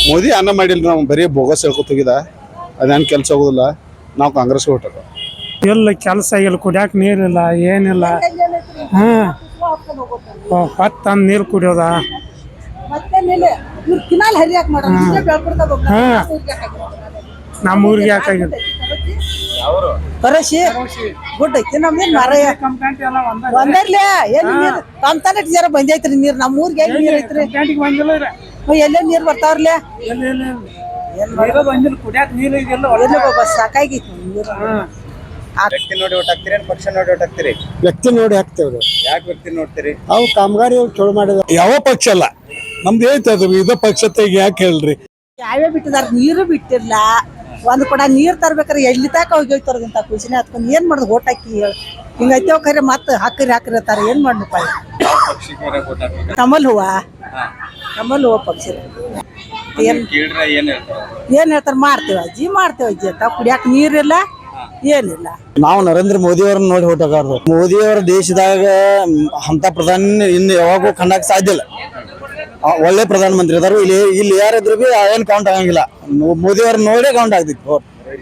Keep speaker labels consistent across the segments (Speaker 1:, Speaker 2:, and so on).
Speaker 1: ಮೋದಿ ಅನ್ನ ಮಾಡಿಲ್ಲ, ನಾವು ಬರೀ ಬೋಗಸ್ ಹೇಳ್ಕೊತ ಹೋಗಿದ. ಅದೇನು ಕೆಲಸ ಆಗೋದಿಲ್ಲ. ನಾವು ಕಾಂಗ್ರೆಸ್ಗೆ ಹೊಟ್ಟದ.
Speaker 2: ಎಲ್ಲ ಕೆಲಸ ಇಲ್ಲ, ಕುಡಿಯಾಕ ನೀರಿಲ್ಲ, ಏನಿಲ್ಲ. ಹಾಂ, ಹೊತ್ತು ನೀರು ಕುಡಿಯೋದ. ನಮ್ಮ ಊರಿಗೆ ಯಾಕಾಗಿಲ್ಲ.
Speaker 3: ಕರಸಿ ಗುಡ್ ಐತಿ ನಮ್ದೇನ್ ಮರ ಒಂದರ್ಲೆ ಎಲ್ಲಿ ಜರ ಬಂದೈತ್ರಿ ನೀರ್ ನಮ್ಮ ಊರಿಗೆ ಎಲ್ಲಿ ನೀರ್ ಐತ್ರಿ? ಎಲ್ಲೇ ನೀರ್ ಬರ್ತಾವ್ರಲೆ ಸಾಕಾಗಿತ್ತು ನೀರು.
Speaker 4: ವ್ಯಕ್ತಿ ನೋಡಿ ಓಟ್ ಹಾಕ್ತೀರಿ, ಪಕ್ಷ ನೋಡಿ ಓಟ್ ಹಾಕ್ತೀರಿ?
Speaker 5: ವ್ಯಕ್ತಿ ನೋಡಿ ಹಾಕ್ತೇವ್ರಿ.
Speaker 4: ಯಾಕೆ ವ್ಯಕ್ತಿ ನೋಡ್ತೀರಿ?
Speaker 5: ಅವು ಕಾಮಗಾರಿ ಚಲೋ ಮಾಡಿದ.
Speaker 1: ಯಾವ ಪಕ್ಷ ಅಲ್ಲ ನಮ್ದು ಐತದು, ಇದ ಪಕ್ಷ ತೆಗಿ ಯಾಕೆ ಹೇಳ್ರಿ?
Speaker 3: ಯಾವ್ಯಾವ ಬಿಟ್ಟಿದಾರ, ನೀರು ಬಿಟ್ಟಿರ್ಲ. ಒಂದ್ ಕೂಡ ನೀರ್ ತರ್ಬೇಕಾರೆ ಎಲ್ಲಿ ತಾಕ ಹೋಗ್ತಾರಂತ ಖುಷಿನೇ ಹತ್ಕೊಂಡ್ ಏನ್ ಮಾಡುದು ಓಟ್ ಹಾಕಿ ಹಿಂಗೈತೇವ್ ಖರೆ ಮತ್ ಹಾಕ್ರಿ ಅಂತಾರ. ಏನ್ ಮಾಡ್ನಪ್ಪ? ಕಮಲ್ ಹೂವ, ಕಮಲ್ ಹೂವ ಪಕ್ಷ ಏನ್ ಹೇಳ್ತಾರ? ಮಾಡ್ತೇವ ಅಜ್ಜಿ, ಮಾಡ್ತೇವ ಅಜ್ಜಿ ಅಂತ. ಕುಡಿಯಾಕ ನೀರಿಲ್ಲ, ಏನಿಲ್ಲ.
Speaker 5: ನಾವು ನರೇಂದ್ರ ಮೋದಿ ಅವ್ರನ್ನ ನೋಡಿ ಹೊಟ್ಟಗಾರ್ದು. ಮೋದಿ ಅವರ ದೇಶದಾಗ ಅಂತ ಪ್ರಧಾನಿ ಇನ್ನು ಯಾವಾಗೂ ಕಂಡಾಕ್ ಸಾಧ್ಯ ಇಲ್ಲ. ಒಳ್ಳೆ ಪ್ರಧಾನ ಮಂತ್ರಿ ಅದಾರು. ಇಲ್ಲಿ ಯಾರಿದ್ರು ಬಿ ಏನ್ ಕೌಂಟ್ ಆಗಂಗಿಲ್ಲ. ಮೋದಿ ಅವ್ರನ್ನ ನೋಡೇ ಕೌಂಟ್ ಆಗ್ತಿತ್ತು.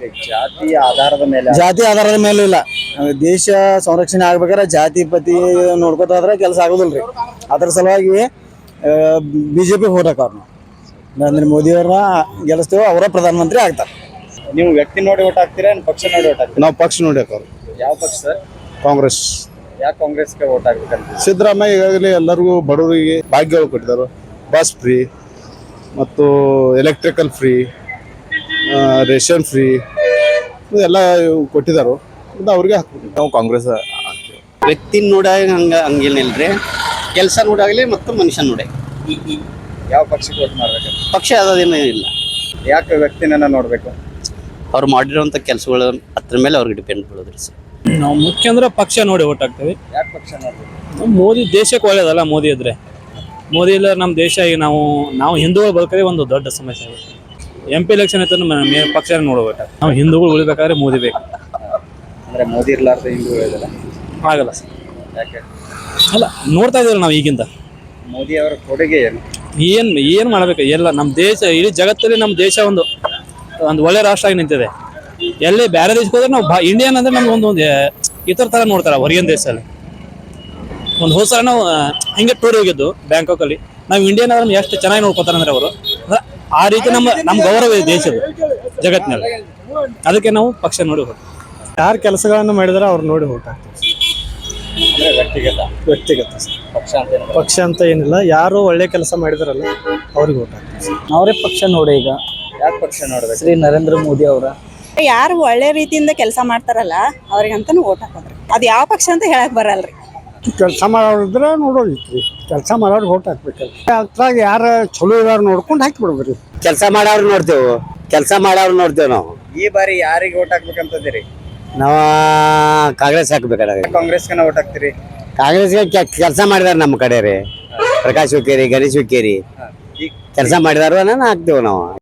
Speaker 5: ಜಾತಿ ಆಧಾರದ ಮೇಲೆ ಇಲ್ಲ. ದೇಶ ಸಂರಕ್ಷಣೆ ಆಗ್ಬೇಕಾದ್ರೆ ಜಾತಿ ಪತಿ ನೋಡ್ಕೊತ ಹೋದ್ರೆ ಕೆಲಸ ಆಗೋದಿಲ್ರಿ. ಅದ್ರ ಸಲುವಾಗಿ ಬಿಜೆಪಿ ಹೋಟ್ ಹಾಕವ್ರು. ನಾವು ನರೇಂದ್ರ ಮೋದಿ ಅವ್ರನ್ನ ಗೆಲ್ಲಿಸ್ತೇವೆ, ಅವರ ಪ್ರಧಾನ ಮಂತ್ರಿ ಆಗ್ತಾರೆ.
Speaker 4: ನೀವು ವ್ಯಕ್ತಿ ನೋಡಿ ಓಟ್ ಹಾಕ್ತೀರಾ, ಪಕ್ಷ ನೋಡಿ ಓಟ್ ಹಾಕ್ತೀರಾ?
Speaker 1: ನಾವು ಪಕ್ಷ ನೋಡಿ ಹಾಕೋರು.
Speaker 4: ಯಾವ ಪಕ್ಷ ಸರ್?
Speaker 1: ಕಾಂಗ್ರೆಸ್.
Speaker 4: ಯಾಕೆ ಕಾಂಗ್ರೆಸ್ಗೆ ಓಟ್ ಹಾಕ್ಬೇಕಂತ?
Speaker 1: ಸಿದ್ದರಾಮಯ್ಯ ಈಗಾಗಲೇ ಎಲ್ಲರಿಗೂ ಬಡವರಿಗೆ ಭಾಗ್ಯಗಳು ಕೊಟ್ಟಿದ್ದಾರೆ. ಬಸ್ ಫ್ರೀ ಮತ್ತು ಎಲೆಕ್ಟ್ರಿಕಲ್ ಫ್ರೀ, ರೇಷನ್ ಫ್ರೀ ಎಲ್ಲ ಕೊಟ್ಟಿದ್ದಾರೆ. ಅವ್ರಿಗೆ ಹಾಕ್ಬೇಕು.
Speaker 6: ನಾವು ಕಾಂಗ್ರೆಸ್ ವ್ಯಕ್ತಿ ನೋಡಾಗ ಹಂಗೇನಿಲ್ರಿ, ಕೆಲಸ ನೋಡಾಗಲಿ ಮತ್ತು ಮನುಷ್ಯ ನೋಡಿ.
Speaker 4: ಯಾವ ಪಕ್ಷಕ್ಕೆ ಓಟ್ ಮಾಡ್ಬೇಕಂತ?
Speaker 6: ಪಕ್ಷ ಯಾವುದೇನೂ ಇಲ್ಲ.
Speaker 4: ಯಾಕೆ ವ್ಯಕ್ತಿನ ನೋಡ್ಬೇಕು?
Speaker 6: ಅವ್ರು ಮಾಡಿರೋಂಥ ಕೆಲಸಗಳು ಅದ್ರ ಮೇಲೆ ಅವ್ರಿಗೆ ಡಿಪೆಂಡ್ ಬೀಳೋದ್ರಿ ಸರ್.
Speaker 7: ನಾವು ಮುಖ್ಯ ಅಂದ್ರೆ ಪಕ್ಷ ನೋಡಿ ಓಟ್ ಹಾಕ್ತೇವೆ.
Speaker 4: ಯಾಕೆ ಪಕ್ಷ ನೋಡ್ಬೇಕು?
Speaker 7: ಮೋದಿ ದೇಶಕ್ಕೆ ಒಳ್ಳೇದಲ್ಲ. ಮೋದಿ ಇದ್ರೆ, ಮೋದಿ ಇಲ್ಲ ನಮ್ಮ ದೇಶ ಈಗ ನಾವು ಹಿಂದೂಗಳು ಬದುಕೋದೇ ಒಂದು ದೊಡ್ಡ ಸಮಸ್ಯೆ ಆಗುತ್ತೆ. MP ಎಲೆಕ್ಷನ್ ಐತೆ ಪಕ್ಷ ನೋಡ್ಬೇಕು. ನಾವು ಹಿಂದೂಗಳು ಉಳಿಬೇಕಾದ್ರೆ ಮೋದಿ ಬೇಕು.
Speaker 4: ಅಂದ್ರೆ ಮೋದಿ ಇರ್ಲಾರ್ದ ಹಿಂದೂ ಹೇಳಿದಲ್ಲ
Speaker 7: ಆಗಲ್ಲ ಸರ್.
Speaker 4: ಯಾಕೆ?
Speaker 7: ಅಲ್ಲ, ನೋಡ್ತಾ ಇದ್ದೀವಿ ನಾವು ಈಗಿಂದ.
Speaker 4: ಮೋದಿ ಅವರ ಕೊಡುಗೆ ಏನು?
Speaker 7: ಏನು ಮಾಡ್ಬೇಕು? ಎಲ್ಲ ನಮ್ಮ ದೇಶ, ಇಡೀ ಜಗತ್ತಲ್ಲಿ ನಮ್ಮ ದೇಶ ಒಂದು ಒಳ್ಳೆ ರಾಷ್ಟ್ರ ಆಗಿ ನಿಂತಿದೆ. ಎಲ್ಲಿ ಬೇರೆ ದೇಶಕ್ಕೆ ಹೋದ್ರೆ ನಾವು ಇಂಡಿಯನ್ ಅಂದ್ರೆ ನಮ್ಗೆ ಒಂದು ಇತರ ತರ ನೋಡ್ತಾರೆ ಹೊರಗಿನ ದೇಶದಲ್ಲಿ. ಒಂದು ಹೋದ ಸಲ ನಾವು ಹಿಂಗೆ ಟೂರ್ ಹೋಗಿದ್ದು ಬ್ಯಾಂಕಾಕಲ್ಲಿ. ನಾವು ಇಂಡಿಯನ್ ಅಂದ್ರೆ ಎಷ್ಟು ಚೆನ್ನಾಗಿ ನೋಡ್ಕೊತಾರೆ ಅಂದ್ರೆ ಅವರು. ಆ ರೀತಿ ನಮ್ಮ ಗೌರವ ಇದೆ ದೇಶದ ಜಗತ್ತಿನಲ್ಲಿ. ಅದಕ್ಕೆ ನಾವು ಪಕ್ಷ ನೋಡಿ ಹೋಗ್ತೀವಿ.
Speaker 2: ಯಾರು ಕೆಲಸಗಳನ್ನು ಮಾಡಿದಾರೆ ಅವ್ರು ನೋಡಿ ಓಟ್ ಹಾಕ್ತೀವಿ. ವ್ಯಕ್ತಿಗತ ಪಕ್ಷ ಅಂತ ಏನಿಲ್ಲ. ಯಾರು ಒಳ್ಳೆ ಕೆಲಸ ಮಾಡಿದಾರಲ್ಲ ಅವ್ರಿಗೆ ಓಟ್ ಹಾಕ್ತೀವಿ.
Speaker 5: ಅವರೇ ಪಕ್ಷ ನೋಡಿ. ಈಗ
Speaker 4: ಯಾಕೆ ಪಕ್ಷ ನೋಡ್ಬೇಕು?
Speaker 5: ಶ್ರೀ ನರೇಂದ್ರ ಮೋದಿ ಅವರ
Speaker 3: ಯಾರು ಒಳ್ಳೆ ರೀತಿಯಿಂದ ಕೆಲಸ ಮಾಡ್ತಾರಲ್ಲ ಅವ್ರಿಗಂತಾನು ಓಟ್ ಹಾಕೋದ್ರಿ. ಅದ್ ಯಾವ ಪಕ್ಷ ಅಂತ ಹೇಳಕ್ ಬರಲ್ರಿ.
Speaker 2: ಕೆಲಸ ಮಾಡೋರಿದ್ರೆ ನೋಡೋದಿತ್ರಿ. ಕೆಲಸ ಮಾಡೋರು ಓಟ್ ಹಾಕ್ಬೇಕಲ್ಲ. ಅದ್ರಾಗ ಯಾರು ಚಲೋ ಇರೋರು ನೋಡ್ಕೊಂಡು ಹಾಕಿಬಿಡ್ಬೇಕ್ರಿ.
Speaker 6: ಕೆಲಸ ಮಾಡೋರು ನೋಡ್ತೇವೆ ನಾವು.
Speaker 4: ಈ ಬಾರಿ ಯಾರಿಗೆ ಓಟ್ ಹಾಕ್ಬೇಕಂತದಿರಿ?
Speaker 6: ನಾವು ಕಾಂಗ್ರೆಸ್ ಹಾಕ್ಬೇಕಾದ್ರೆ.
Speaker 4: ಕಾಂಗ್ರೆಸ್ಗೆ ಓಟ್ ಹಾಕ್ತೀರಿ?
Speaker 6: ಕಾಂಗ್ರೆಸ್ಗೆ ಕೆಲಸ ಮಾಡಿದಾರೆ ನಮ್ಮ ಕಡೆ ರೀ. ಪ್ರಕಾಶ್ ಹುಕ್ಕೇರಿ, ಗಣೇಶ್ ಹುಕ್ಕೇರಿ ಕೆಲಸ ಮಾಡಿದಾರ ಹಾಕ್ತೇವೆ ನಾವು.